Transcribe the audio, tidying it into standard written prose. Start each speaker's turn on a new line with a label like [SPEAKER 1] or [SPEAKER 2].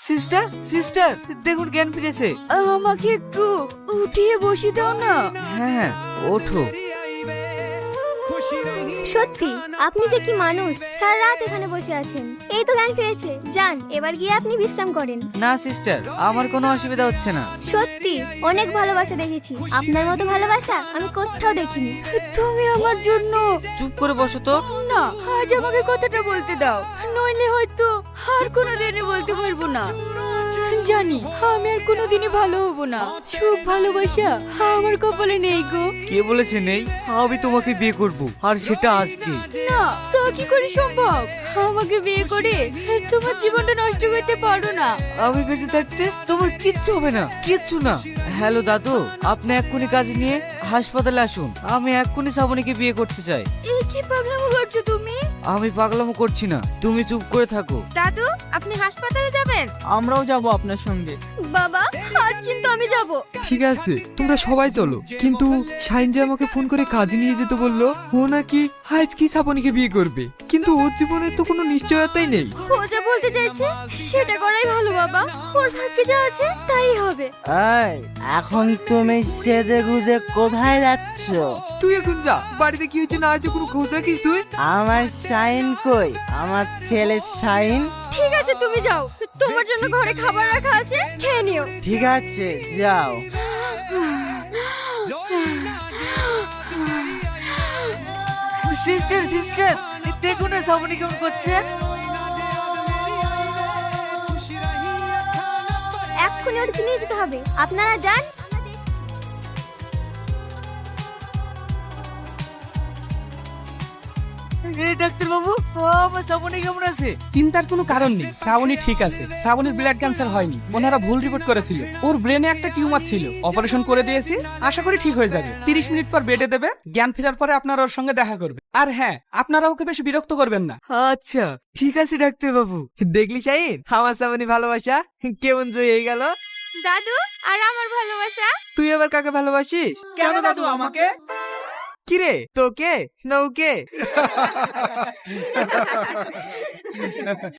[SPEAKER 1] Sister sister, দেখুন জ্ঞান ফিরেছে।
[SPEAKER 2] আমাকে একটু উঠিয়ে বসিয়ে দাও না।
[SPEAKER 1] হ্যাঁ, ওঠো।
[SPEAKER 3] সত্যি আপনি যে কি মানুষ, সারা রাত এখানে বসে আছেন। এই তো জ্ঞান ফিরেছে, যান এবার গিয়ে আপনি বিশ্রাম করেন।
[SPEAKER 1] না সিস্টার, আমার কোনো অসুবিধা হচ্ছে না।
[SPEAKER 3] সত্যি অনেক ভালোবাসা দেখেছি, আপনার মতো ভালোবাসা আমি কোথাও দেখিনি।
[SPEAKER 2] তুমি আমার জন্য।
[SPEAKER 1] চুপ করে বসো তো।
[SPEAKER 2] না, আজ আমাকে কথাটা বলতে দাও, নইলে হয়তো আর কোনোদিনই বলতে পারবো না। জানি আমি আর কোনোদিনই ভালো হব না। সুখ ভালোবাসা আমার কপালে নেই গো।
[SPEAKER 1] কে বলেছে নেই? আমি তোমাকে বিয়ে করব, আর সেটা আজকে।
[SPEAKER 2] না, তা কি করে সম্ভব? আমাকে বিয়ে করে তোমার জীবনটা নষ্ট করতে পারো না।
[SPEAKER 1] আমি বেঁচে থাকতে তোমার কিচ্ছু হবে না, কিচ্ছু না। হ্যালো দাদু, আপনি এক্ষুনি কাজ নিয়ে হাসপাতালে আসুন। আমি এক্ষুনি শ্রাবণীকে বিয়ে করতে চাই।
[SPEAKER 2] এই কি পাগলামো করছো তুমি?
[SPEAKER 1] আমি পাগলামো করছি না, তুমি চুপ করে থাকো।
[SPEAKER 2] দাদু, আপনি হাসপাতালে যাবেন?
[SPEAKER 4] আমরাও যাব আপনার সঙ্গে।
[SPEAKER 3] বাবা, আজ কিন্তু আমি যাব।
[SPEAKER 5] ঠিক আছে, তোমরা সবাই চলো। কিন্তু শাইন যে আমাকে ফোন করে কাজে নিয়ে যেতে বললো, ও নাকি আজ কি শ্রাবণীকে বিয়ে করবে, কিন্তু ওর জীবনে তো কোনো নিশ্চয়তাই নেই।
[SPEAKER 3] ও যা বলতে চাইছে সেটা করাই ভালো বাবা, ওর ভাগ্যে যা আছে তাই হবে।
[SPEAKER 6] এই, এখন তুমি সেজে গুজে কোথায় যাচ্ছ?
[SPEAKER 5] তুই এখন যা, বাড়িতে কি হচ্ছে না হচ্ছে কোনো খোঁজ রাখিস তুই?
[SPEAKER 6] আমার শাইন কই? আমার ছেলে শাইন?
[SPEAKER 3] ঠিক আছে তুমি যাও, তোমার জন্য ঘরে খাবার রাখা আছে, খেয়ে নিও।
[SPEAKER 6] ঠিক আছে, যাও।
[SPEAKER 1] সিস্টার সিস্টার, দেখুন না শ্রাবণী কেমন করছে।
[SPEAKER 3] এক্ষুনি ওর নিয়ে যেতে হবে, আপনারা যান।
[SPEAKER 1] ডাক্তার বাবু, আমার শ্রাবণী কেমন আছে?
[SPEAKER 4] চিন্তার কোনো কারণ নেই, শ্রাবণী ঠিক আছে। শ্রাবণীর ব্লাড ক্যান্সার হয়নি, ওনারা ভুল রিপোর্ট করেছিল। ওর ব্রেনে একটা টিউমার ছিল, অপারেশন করে দিয়েছি, আশা করি ঠিক হয়ে যাবে। 30 মিনিট পর বেডে দেবে, জ্ঞান ফেরার পরে আপনারা ওর সঙ্গে দেখা করবে। আর হ্যাঁ, আপনারা ওকে বেশি বিরক্ত করবেন না।
[SPEAKER 1] আচ্ছা ঠিক আছে ডাক্তার বাবু।
[SPEAKER 5] দেখলি শাইন, আমার শ্রাবণী ভালোবাসা কেমন জয় হয়ে গেল।
[SPEAKER 2] দাদু, আর আমার ভালোবাসা?
[SPEAKER 5] তুই আবার কাকে ভালোবাসিস?
[SPEAKER 4] কেন দাদু আমাকে?
[SPEAKER 5] কিরে, তোকে না ওকে?